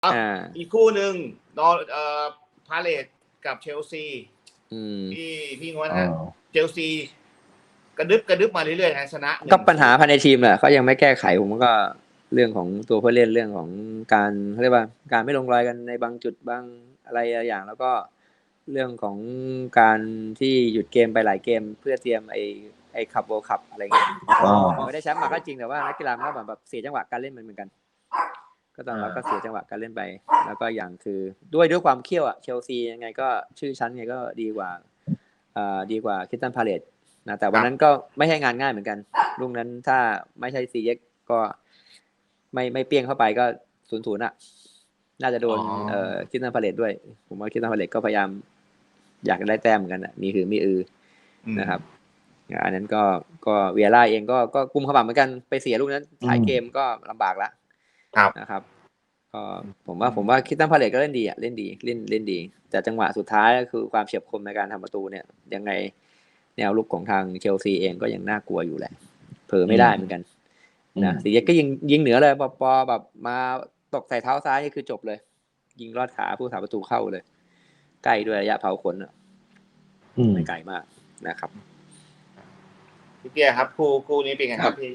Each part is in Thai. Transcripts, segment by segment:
อีกคู่หนึ่งนอพาเลตกับเชลซีพี่งวนฮะเชลซีกระดึบมาเรื่อยๆนะชนะก็ปัญหาภายในทีมแหละเขายังไม่แก้ไขผมก็เรื่องของตัวผู้เล่นเรื่องของการเรียกว่าการไม่ลงรอยกันในบางจุดบางอะไรอย่างแล้วก็เรื่องของการที่หยุดเกมไปหลายเกมเพื่อเตรียมไอ้คัพเวิลด์คัพอะไรเงี้ยไม่ได้แชมป์มาก็จริงแต่ว่านักกีฬาก็แบบเสียจังหวะการเล่นเหมือนกันก็ตอนเราก็เสียจังหวะการเล่นไปแล้วก็อย่างคือด้วยความเขี้ยวอ่ะเชลซียังไงก็ชื่อชั้นไงก็ดีกว่าคริสตัลพาเลซนะแต่วันนั้นก็ไม่ใช่งานง่ายเหมือนกันลูกนั้นถ้าไม่ใช่ซีเอ็กก็ไม่เปี้ยงเข้าไปก็0-0อ่ะน่าจะโดนคริสตัลพาเลซด้วยผมว่าคริสตัลพาเลซก็พยายามอยากได้แต้มเหมือนกันอ่ะมีหือมีนะครับอันนั้นก็เวียร่าเองก็กุมขมับเหมือนกันไปเสียลูกนั้นถ่ายเกมก็ลำบากละนะครับก็ผมว่าคริสตัลพาเลซก็เล่นดีอ่ะเล่นดีแต่จังหวะสุดท้ายก็คือความเฉียบคมในการทำประตูเนี่ยยังไงแนวลุกของทางเชลซีเองก็ยังน่ากลัวอยู่แหละเผลอไม่ได้เหมือนกันนะสีเย็กก็ยิงเหนือเลยพอแบบมาตกใส่เท้าซ้ายนี่คือจบเลยยิงลอดขาผู้สาประตูเข้าเลยใกล้ด้วยระยะเผาขนไม่ไกลมากนะครับพี่เปียครับคู่นี้เป็นไงครับพี่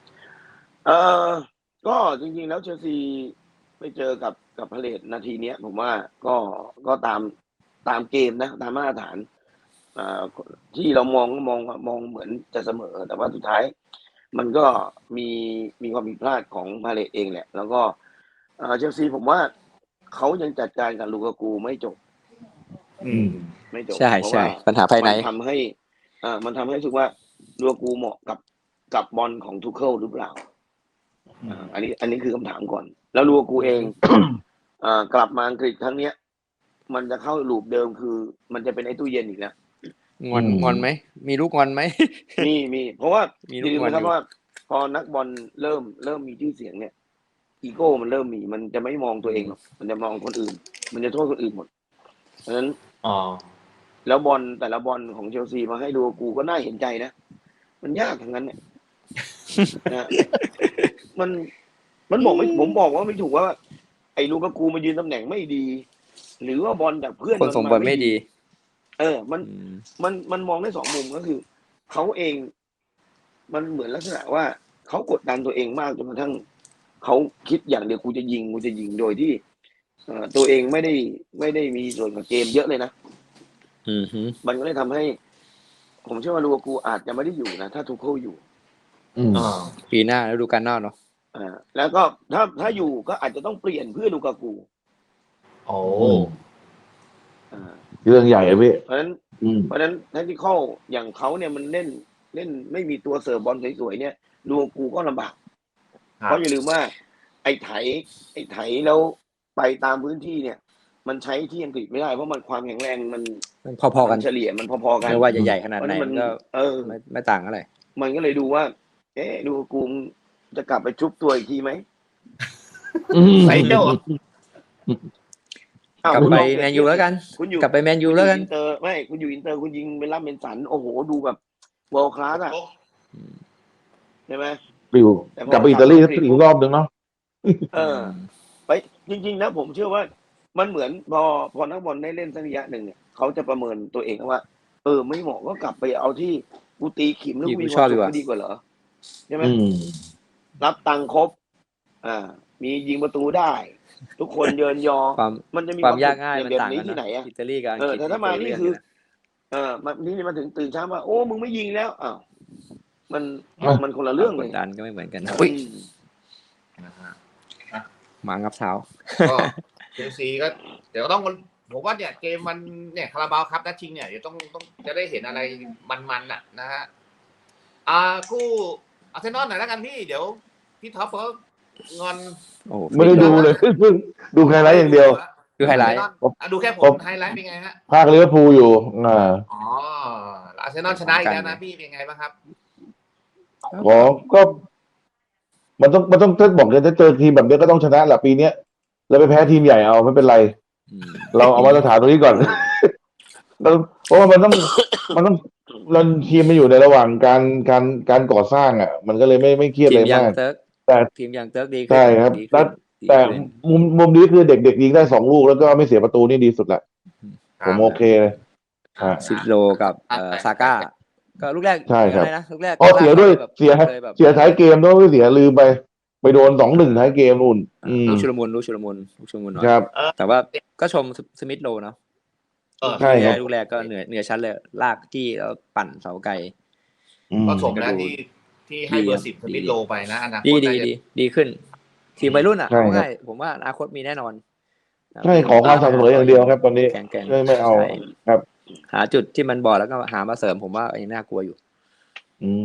ก็จริงๆแล้วเชลซีไปเจอกับพาเลซนาทีเนี้ยผมว่าก็ตามเกมนะตามมาตรฐานที่เรามองเหมือนจะเสมอแต่ว่าสุดท้ายมันก็มีความผิดพลาดของพาเลซเองแหละแล้วก็เชลซีผมว่าเขายังจัดการกับลูกากูไม่จบใช่ปัญหาภายในมันทำให้รู้สึกว่าลูกากูเหมาะกับบอลของทูเคิลหรือเปล่าอันนี้คือคำถามก่อนแล้วลูกากูเอง กลับมาอังกฤษครั้งเนี้ยมันจะเข้าลูปเดิมคือมันจะเป็นไอ้ตู้เย็นอีกแล้วงอนไหมมีลูกงอนไหมมีเพราะว่าอย่าลืมนะครับว่าพอนักบอลเริ่มมีชื่อเสียงเนี่ยอีโก้มันเริ่มมีมันจะไม่มองตัวเองหรอกมันจะมองคนอื่นมันจะโทษคนอื่นหมดเพราะฉะนั้นแล้วบอลแต่ละบอลของเชลซีมาให้ดูกูก็น่าเห็นใจนะมันยากทั้งนั้นเนี่ยมันบอกไม่ผมบอกว่าไม่ถูกว่าไอ้ลูกากูมายืนตำแหน่งไม่ดีหรือว่าบอลจากเพื่อนคนส่งบอลไม่ดีมันมองได้สองมุมก็คือเขาเองมันเหมือนลักษณะว่าเขากดดันตัวเองมากจนกระทั่งเขาคิดอย่างเดียวกูจะยิงโดยที่ตัวเองไม่ได้มีส่วนกับเกมเยอะเลยนะมันก็เลยทำให้ผมเชื่อว่าลูกากูอาจจะไม่ได้อยู่นะถ้าทูเคิลอยู่ปีหน้าแล้วดูกันหน้าเนาะแล้วก็ถ้าอยู่ก็อาจจะต้องเปลี่ยนเพื่อลูกากูเรื่องใหญ่เลยพี่เพราะฉะนั้นแทคติคอลอย่างเขาเนี่ยมันเล่นไม่มีตัวเสิร์ฟบอลสวยๆเนี่ยลูกากูก็ลำบากเพราะอย่าลืมว่าไอ้ไถแล้วไปตามพื้นที่เนี่ยมันใช้ที่อังกฤษไม่ได้เพราะมันความแข็งแรงมันพอๆกันเฉลี่ยมันพอๆกันไม่ว่าจะใหญ่ขนาดไหนมันก็ไม่ต่างอะไรมันก็เลยดูว่าลูกากูจะกลับไปชุบตัวอีกทีไหมใส่เจ้ากลับไปแมนยูแล้วกันกลับไปแมนยูแล้วกันไม่คุณอยู่อินเตอร์คุณยิงเป็นล่ำเป็นสันโอ้โหดูแบบเวิลด์คลาสอ่ะใช่ไหมกลับไปอิตาลีอีกรอบนึงเนาะไปจริงๆนะผมเชื่อว่ามันเหมือนพอนักบอลได้เล่นสักระยะหนึ่งเนี่ยเขาจะประเมินตัวเองว่าไม่เหมาะก็กลับไปเอาที่กูตีขิมแล้วกูมีความสุขดีกว่าเหรอใช่ไหมรับตังค์ครบมียิงประตูได้ทุกคนเยินยอมันจะมีความยากง่ายมันต่างกันที่ไหนอ่ะอิตาลีกับอังกฤษแต่ถ้ามานี่คือนี่มาถึงตื่นเช้ามาโอ้มึงไม่ยิงแล้วมันคนละเรื่องเลยดันก็ไม่เหมือนกันหมางับเท้าก็เชลซีก็เดี๋ยวต้องผมว่าเนี่ยเกมมันเนี่ยคาราบาวคัพนัดชิงเนี่ยเดี๋ยวต้องจะได้เห็นอะไรมันๆน่ะนะฮะคู่อาร์เซนอลหน่อยแล้วกันพี่เดี๋ยวพี่ท็อปเขางอนไม่ได้ดูเลยดูไฮไลท์อย่างเดียวดูไฮไลท์ดูแค่ผมไฮไลท์เป็นไงฮะภาคลิเวอร์พูลอยู่อาร์เซนอลชนะอีกแล้วนะพี่เป็นไงบ้างครับก็มันต้องถ้าบอกจะเจอทีมแบบนี้ก็ต้องชนะแหละปีนี้แล้วไปแพ้ทีมใหญ่เอาไม่เป็นไรเราเอามาตรฐานตรงนี้ก่อนเพราะว่ามันต้องเราทีมมาอยู่ในระหว่างการก่อสร้างอ่ะมันก็เลยไม่เครียดเลยมากแต่ทีมอย่างเติร์กดีใช่ครับแต่มุมนี้คือเด็กๆยิงได้2 ลูกแล้วก็ไม่เสียประตูนี่ดีสุดแหละผมโอเคเลยซิโลกับซาก้าก็ลูกแรกใช่ครับนะลูกแรกอ๋อเสียด้วยแบบเสียเลยแบบเสียท้ายเกมด้วยไม่เสียลืมไปโดน2-1ท้ายเกมนู่นลูกชุลมุนหน่อยครับแต่ว่าก็ชมสมิธโลเนาะใช่ครับลูกแรกก็เหนือชั้นเลยลากจี้แล้วปั่นเสาไกลก็สมนะที่ให้เบอร์ 10สมิธโลไปนะอนาคตดีขึ้น ทีมวัยรุ่นอ่ะใช่ครับง่ายผมว่าอนาคตมีแน่นอนใช่ขอความสม่ำเสมออย่างเดียวครับตอนนี้แข่งไม่เอาใช่ครับหาจุดที่มันบอดแล้วก็หามาเสริมผมว่ายังน่ากลัวอยู่